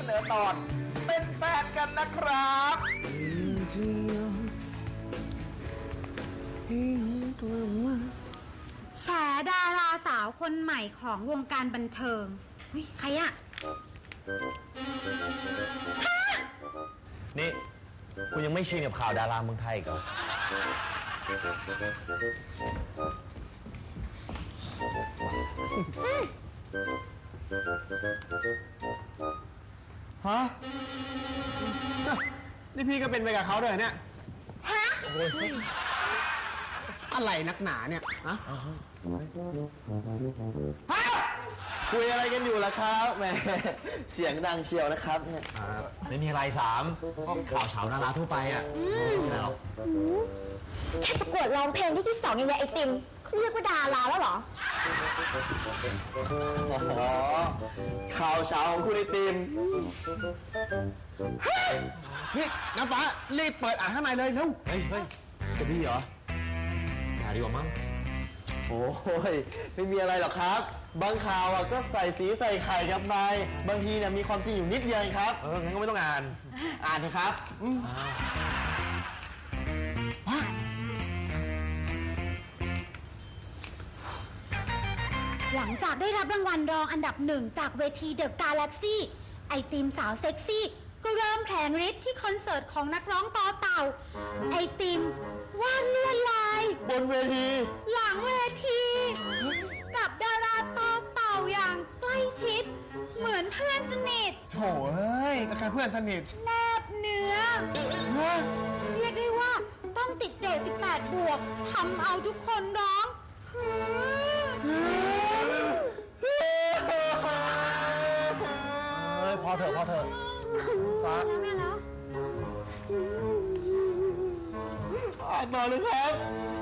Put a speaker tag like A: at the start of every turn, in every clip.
A: นอตอนเป็นแฟนกันนะครับ
B: แฉดาราสาวคนใหม่ของวงการบันเทิงใครอะ
A: นี่คุณยังไม่ชินกับข่าวดาราเมืองไทยอีกเหรอฮะนี่พี่ก็เป็นไปกับเขาด้วยเนี่ย
B: ฮะ
C: อะไรนักหนาเนี่ยฮะ
A: คุยอะไรกันอยู่ล่ะครับแหมเสียงดังเชียวนะครับเนี่ยไม่มีอะไรสามข่าวเช้าดาราทั่วไปอ่ะไม่มีอะไรหรอก
B: แค่ประกวดร้องเพลงที่2ยังไงไอติมเขาเรียกว่าดาราแล้วเหรอ
A: อ๋อข่าวเช้าของคุณไอติม
C: พี่น้ำฟ้ารีบเปิดอ่านข้างในเลยเร็ว
A: เฮ้ยจะพี่เหรออย่าดีกว่ามั้งโอ้ยไม่มีอะไรหรอกครับบางข่าวก็ใส่สีใส่ไข่ครับนายบางทีเนี่ยมีความจริงอยู่นิดเดียวครับงั้นก็ไม่ต้องอ่านเถอะครับ
B: หลังจากได้รับรางวัลรองอันดับ1จากเวทีเดอะกาแล็กซี่ไอติมสาวเซ็กซี่ก็เริ่มแผลงฤทธิ์ที่คอนเสิร์ตของนักร้องต่อเต่าไอติมวาดลวดลาย
A: บนเวที
B: หลังเวทีกับดาราต่อเต่าอย่างใกล้ชิดเหมือนเพื่อนสนิท
C: โถ่เอ้ยก็แค่เพื่อนสนิท
B: แนบเนื้อเรียกได้ว่าต้องติดเรท18 บวกทำเอาทุกคนร้อง
A: พอเถอะฟ้า
B: ไม่แล้ว
A: อ่านมาเลยครับ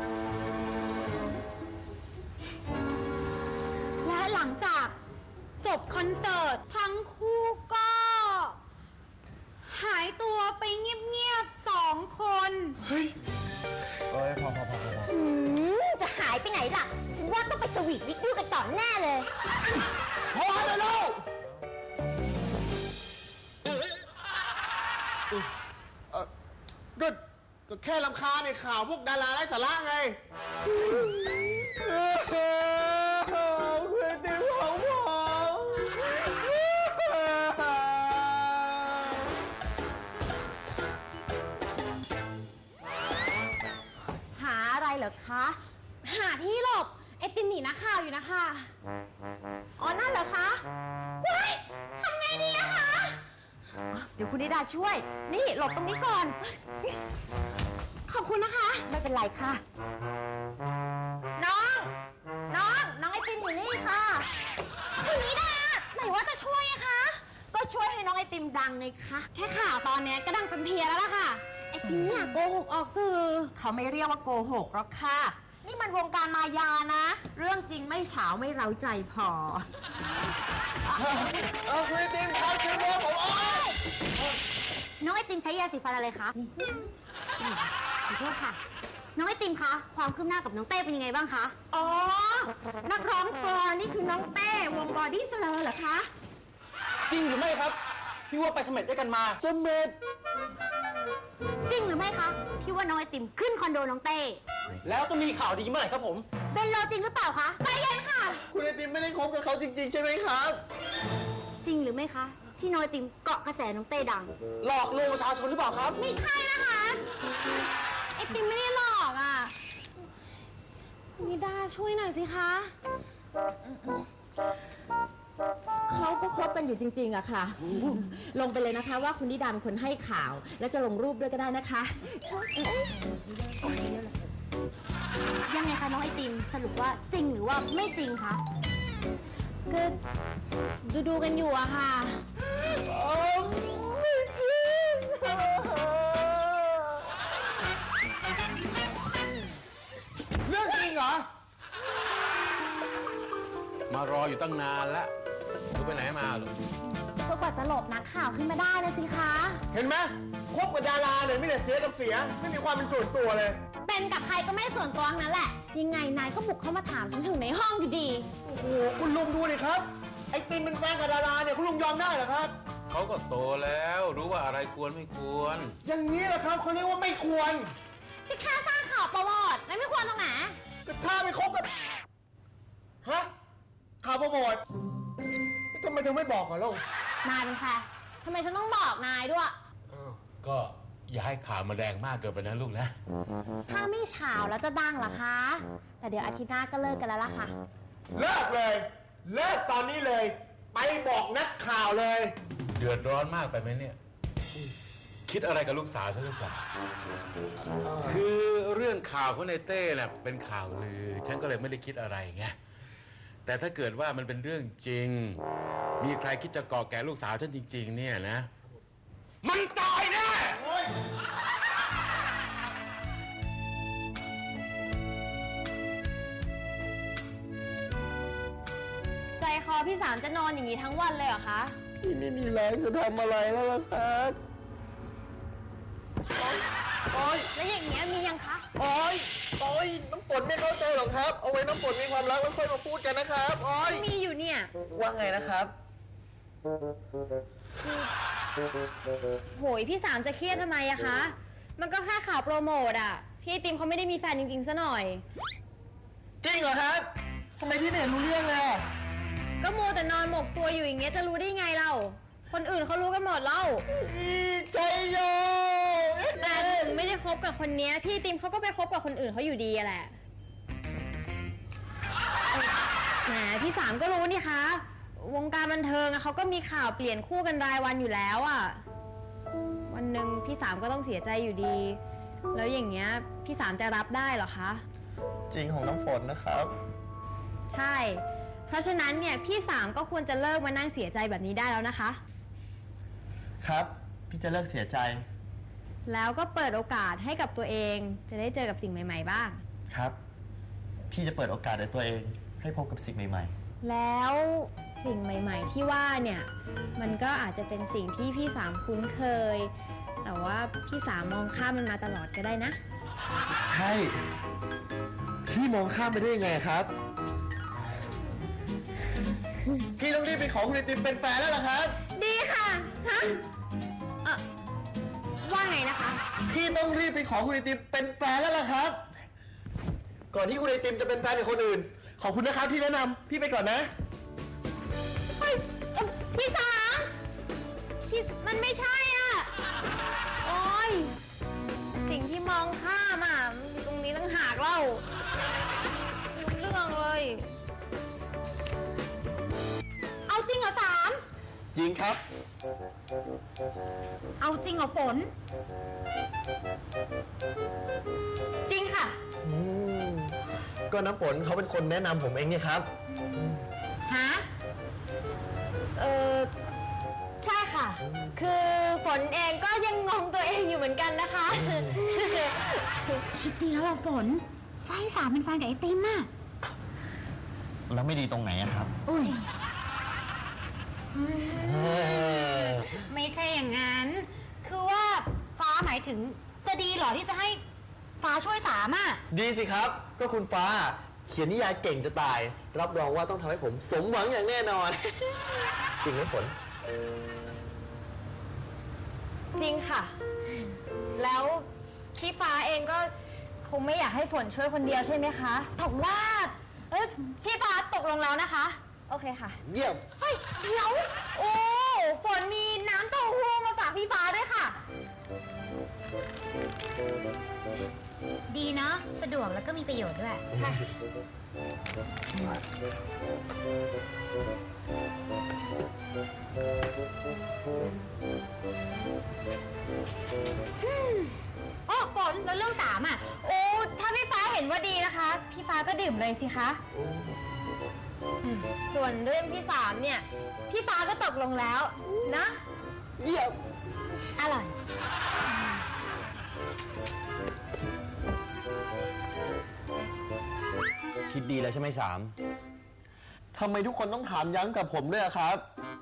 B: และหลังจากจบคอนเสิร์ตทั้งคู่ก็หายตัวไปเงียบๆ2 คน
A: เฮ้ยพอ
B: จะหายไปไหนล่ะฉันว่าต้องไปสวีทวิทยุกันต่อแน่เลย
A: พอเลยลูก
C: ก็แค่รำคาญในข่าวพวกดาราไร้สาระไง
A: คุณติวของผม
B: หาอะไรเหรอคะหาที่หลบไอติมหนีนักข่าวอยู่นะคะอ๋อนั่นเหรอคะว้ายทำไงดีอะคะเดี๋ยวคุณนิดาช่วยนี่หลบตรงนี้ก่อนขอบคุณนะคะไม่เป็นไรค่ะน้องไอติมอยู่นี่ค่ะคุณนิดาไหนว่าจะช่วยอะคะก็ช่วยให้น้องไอติมดังไงคะแค่ข่าวตอนนี้ก็ดังจนเพี้ยแล้วล่ะค่ะไอติมเนี่ยโกหกออกสื่อเขาไม่เรียกว่าโกหกหรอกค่ะนี่มันวงการมายานะเรื่องจริงไม่เฉาไม่เร้าใจพอ
A: คุณไอติมครับช่วยด้วยผม
B: น้องไอติมใช้ยาสีฟันอะไรคะขอโทษค่ะน้องไอติมคะความคืบหน้ากับน้องเต้เป็นยังไงบ้างคะอ๋อนักร้องตัวนี่คือน้องเต้วงบอดี้สเลอร์เหรอคะ
C: จริงหรือไม่ครับพี่ว่าไปเสม็ดด้วยกันมา
A: เสม็ด
B: จริงหรือไม่คะพี่ว่าน้องไอติมขึ้นคอนโดน้องเต้
C: แล้วจะมีข่าวดีเมื่อไหร่ครับผม
B: เป็นโลจริงหรือเปล่าคะใจเย็นค่ะ
A: คุณไอติมไม่ได้คบกับเขาจริงๆใช่ไหมครับ
B: จริงหรือไม่คะที่น้องไอติมเกาะกระแสน้องเต้ดัง
C: หลอกลวงประชาชนหรือเปล่าครับ
B: ไม่ใช่นะคะไอติมไม่ได้หลอกอ่ะนิดาช่วยหน่อยสิคะ
D: เขาก็คบกันอยู่จริงๆอะค่ะลงไปเลยนะคะว่าคุณนิดาเป็นคนให้ข่าวและจะลงรูปด้วยก็ได้นะคะ
B: ยังไงคะน้องไอติมสรุปว่าจริงหรือว่าไม่จริงคะก็ดูกันอยู่อะค่ะ
C: เรื่องจริงเหรอ
A: มารออยู่ตั้งนานแล้วดูไปไหนมาหรอ
B: ก็กว่าจะหลบนักข่าวขึ้นมาได้นะสิคะ
C: เห็นไหมคบกับดาราเลยไม่ได้เสียกับเสียไม่มีความเป็นส่วนตัวเลย
B: เป็นกับใครก็ไม่ส่วนตัวนั้นแหละยังไงนายก็บุกเข้ามาถามฉันถึงในห้องอยู่ดี
C: โอ้โหคุณลุงดูดิครับไอติมเป็นแฟนกับดาราเนี่ยคุณลุงยอมได้เหรอครับ
E: เขาก็โตแล้วรู้ว่าอะไรควรไม่ควร
C: อย่างนี้แหละครับเขาเรียกว่าไม่ควร
B: พี่แค่สร้างข่าวโปรโมทไม่ควรตรงไหน
C: ก็ถ้าไม่คบกับฮะข่าวโปรโมททำไมเธอไม่บอกก่อนล่ะ
B: นายเป็นใครทำไมฉันต้องบอกนายด้วย
E: ก็อย่าให้ข่าวมาแรงมากเกินไปนะลูกนะ
B: ถ้าไม่เฉาแล้วจะดังเหรอคะ แต่เดี๋ยวอาทิตย์หน้าก็เลิกกันแล้วล่ะค่ะ
C: เลิกเลย เลิกตอนนี้เลย ไปบอกนักข่าวเลย
E: เดือดร้อนมากไปไหมเนี่ย คิดอะไรกับลูกสาวฉันหรือเปล่าคือเรื่องข่าวของในเต้น่ะเป็นข่าวลือ ฉันก็เลยไม่ได้คิดอะไรไงแต่ถ้าเกิดว่ามันเป็นเรื่องจริง มีใครคิดจะก่อแก่ลูกสาวฉันจริง ๆ เนี่ยนะ มันตายแน่
B: ใจคอพี่สามจะนอนอย่างนี้ทั้งวันเลยเหรอคะ
A: พี่ไม่มีแรงจะทำอะไรแล้วล่ะครับ โอ๊ย
B: แล้วอย่างเงี้ยมียังคะ
A: โอ๊ย โอ๊ย น้ำฝนไม่เข้าใจหรอกครับ เอาไว้น้ำฝนมีความรักแล้วค่อยมาพูดกันนะครับ โอ๊ย
B: มีอยู่เนี่ย
A: ว่าไงนะครับ
B: โหยพี่สามจะเครียดทำไมอะคะ มันก็แค่ข่าวโปรโมทอะพี่ไอติมเขาไม่ได้มีแฟนจริงๆซะหน่อย
A: จริงเหรอครับทำไมพี่ไม่เห็นรู้เรื่องเลยอะ
B: ก็มัวแต่นอนหมกตัวอยู่อย่างเงี้ยจะรู้ได้ไงเรา คนอื่นเขารู้กันหมดแล้ว
A: ใจโย
B: แต่ถึงไม่ได้คบกับคนเนี้ยพี่ไอติมเขาก็ไปคบกับคนอื่นเขาอยู่ดีอะแหละแหมพี่สามก็รู้นี่คะ วงการบันเทิงอะเขาก็มีข่าวเปลี่ยนคู่กันรายวันอยู่แล้วอะวันหนึ่งพี่สามก็ต้องเสียใจอยู่ดี แล้วอย่างเงี้ยพี่สามจะรับได้เหรอคะ
A: จริงของน้ำฝนนะครับ
B: ใช่ เพราะฉะนั้นเนี่ยพี่สามก็ควรจะเลิกมานั่งเสียใจแบบนี้ได้แล้วนะคะ
A: ครับ พี่จะเลิกเสียใจ
B: แล้วก็เปิดโอกาสให้กับตัวเองจะได้เจอกับสิ่งใหม่ๆบ้าง
A: ครับ พี่จะเปิดโอกาสในตัวเอง ให้พบกับสิ่งใหม่
B: แล้วสิ่งใหม่ๆที่ว่าเนี่ยมันก็อาจจะเป็นสิ่งที่พี่สามคุ้นเคย แต่ว่าพี่สามมองข้ามมันมาตลอดก็ได้นะ
A: ๆ ใช่ พี่มองข้ามไปได้ยังไงครับ พี่ต้องรีบไปขอคุณไอติมเป็นแฟนแล้วล่ะครับ
B: ดีค่ะฮะว่าไงนะคะ
A: พี่ต้องรีบไปขอคุณไอติมเป็นแฟนแล้วล่ะครับ ก่อนที่คุณไอติมจะเป็นแฟนกับคนอื่น ขอบคุณนะครับที่แนะนำพี่ไปก่อนนะ
B: เฮ้ยพี่สามพี่มันไม่ใช่อ่ะ โอ้ยสิ่งที่มองข้ามอ่ะมันอยู่ตรงนี้ตั้งหากเล่าไม่รู้เรื่องเลย เอาจริงเหรอสาม
A: จริงครับ
B: เอาจริงเหรอฝน จริงค่ะ
A: ก็น้ำฝนเขาเป็นคนแนะนำผมเองเนี่ยครับ
B: ฮะ ใช่ค่ะ คือฝนเองก็ยังงงตัวเองอยู่เหมือนกันนะคะ คิดดีแล้วล่ะฝนจะให้สามเป็นแฟนกับไอติมอ่ะ
A: แล้วไม่ดีตรงไหนอะครับ
B: อุ้ยไม่ใช่อย่างนั้น คือว่าฟ้าหมายถึงจะดีเหรอที่จะให้ฟ้าช่วยสามอ่ะ
A: ดีสิครับ ก็คุณฟ้า เขียนนิยายเก่งจะตาย รับรองว่าต้องทำให้ผมสมหวังอย่างแน่นอน จริงไหมฝน
B: จริงค่ะ แล้วพี่ฟ้าเองก็คงไม่อยากให้ฝนช่วยคนเดียวใช่ไหมคะถกว่าพี่ฟ้าตกลงแล้วนะคะ โอเคค่ะ
A: เยี่ยม
B: เฮ้ยเดี๋ยวโอ้ฝนมีน้ำเต้าหู้มาฝากพี่ฟ้าด้วยค่ะ
F: ดีเนาะสะดวกแล้วก็มีประโยชน์ด้วย
B: ค่ะ
F: โอ้ฝนแล้วเรื่องสามอ่ะ
B: โอ้ถ้าพี่ฟ้าเห็นว่าดีนะคะ พี่ฟ้าก็ดื่มเลยสิคะส่วนเรื่องพี่สามเนี่ย พี่ฟ้าก็ตกลงแล้วนะ
A: เยี่ยม
B: อร่อย
A: คิดดีแล้วใช่ไหมสาม ทำไมทุกคนต้องถามย้ำกับผมด้วยอะครับ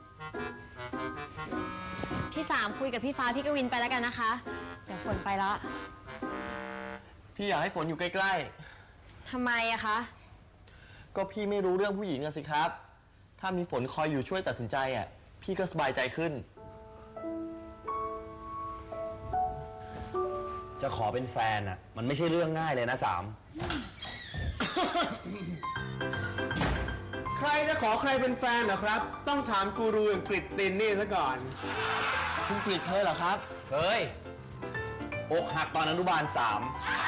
B: พี่สามคุยกับพี่ฟ้าพี่กวินไปแล้วกันนะคะ เดี๋ยวฝนไปแล้ว
A: พี่อยากให้ฝนอยู่ใกล้
B: ทำไมอะคะ
A: ๆ ก็พี่ไม่รู้เรื่องผู้หญิงอะสิครับ ถ้ามีฝนคอยอยู่ช่วยตัดสินใจอะพี่ก็สบายใจขึ้นจะขอเป็นแฟนอ่ะ มันไม่ใช่เรื่องง่ายเลยนะสาม
C: ใครจะขอใครเป็นแฟนเหรอครับ ต้องถามกูรูอย่างกฤษตินนี่ซะก่อน
A: คุณกฤษเคยเหรอครับเคยอกหักตอนอนุบาล3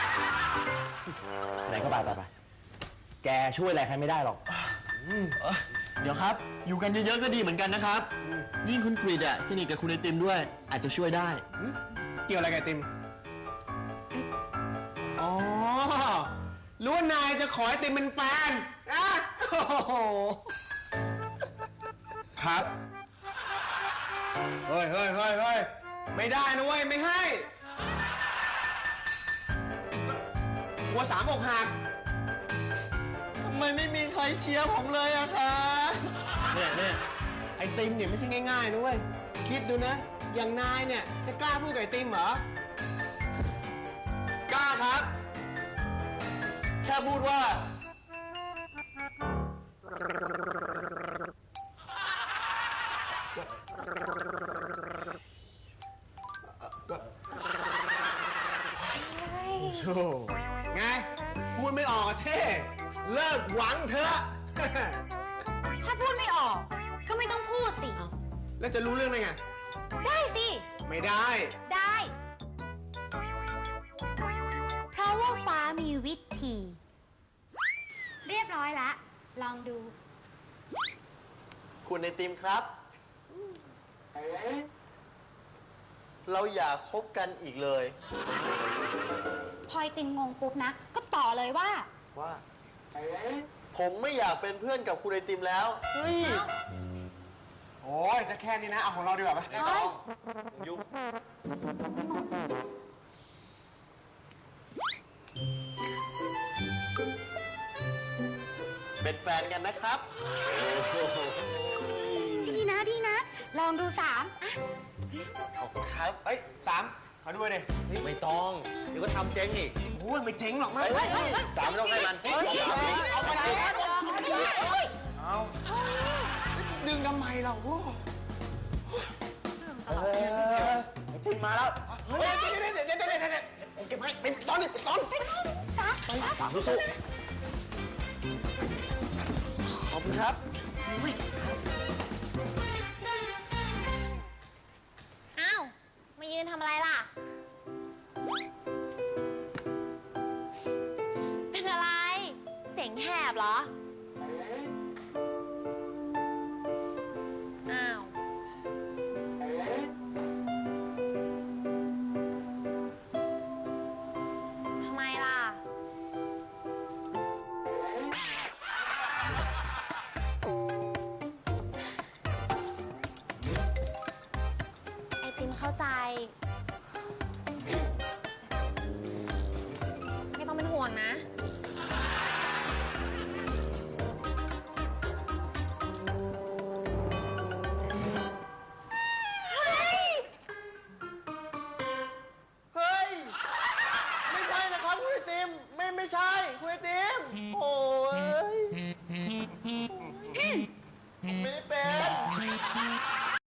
A: ไหนก็ไปแกช่วยอะไรใครไม่ได้หรอกเดี๋ยวครับ อยู่กันเยอะๆก็ดีเหมือนกันนะครับ ยิ่งคุณกฤษอ่ะสนิทกับคุณไอติมด้วย อาจจะช่วยได้
C: เกี่ยวอะไรกับไอติม อ๋อ รู้ว่านายจะขอไอติมเป็นแฟนอ่ะโอ้โห
A: ครับ
C: เฮ้ย ไม่ได้นะเว้ย ไม่ให้หัวสามอกหัก
A: ทำไมไม่มีใครเชียร์ผมเลยอะคะ
C: เนี่ยไอติมเนี่ยไม่ใช่ง่ายๆนะเว้ย คิดดูนะ อย่างนายเนี่ย จะกล้าพูดกับไอติมเหรอ
A: กล้าครับ แค่พูดว่า
C: โธ่ไง พูดไม่ออกอะเท่ เลิกหวังเถอะ
B: ถ้าพูดไม่ออก ก็ไม่ต้องพูดสิ
C: แล้วจะรู้เรื่องได้ไง
B: ได้สิ
C: ไม่ได้
B: ได้
F: เพราะว่าฟ้ามีวิธี เรียบร้อยละ ลองดู
A: คุณไอติมครับ เราอย่าคบกันอีกเลย
B: พอไอติมงงปุ๊บนะ ก็ต่อเลยว่า
A: ว่า ผมไม่อยากเป็นเพื่อนกับคุณไอติมแล้ว เฮ้ย
C: โอ้ยจะแค่นี้นะ เอาของเราดีกว่าไหม
B: เอ้ย
A: ยุบเป็นแฟนกันนะครับ
B: ดีนะดีนะ ลองดู3อ่ะ
A: ขอบคุณครับ
C: เอ้ยสามขอดูหน่อยดิ
A: ไม่ต้อง เดี๋ยวก็ทำเจ๊งอีก
C: โอ้ยไม่เจ๋งหรอกมั้ง
A: เฮ้ยสามไม่ต้องให้มัน
C: เอาไปเลย
A: เอา
C: ดึงทำไมเราโอ้
A: ไอติมมาแล้ว
C: เฮ้ยเดี๋ยวผมเก็บให้เป็นซ้อนดิซ้อน
A: สามสู้ๆขอบคุณครับ
B: อ้าว มายืนทำอะไรล่ะ เป็นอะไร เสียงแหบเหรอ อ้าว ทำไมล่ะ ไอติมเข้าใจ ไม่ต้องเป็นห่วงนะ
A: เฮ้ย ไม่ใช่นะครับคุณไอติม ไม่ใช่คุณไอติม โอ้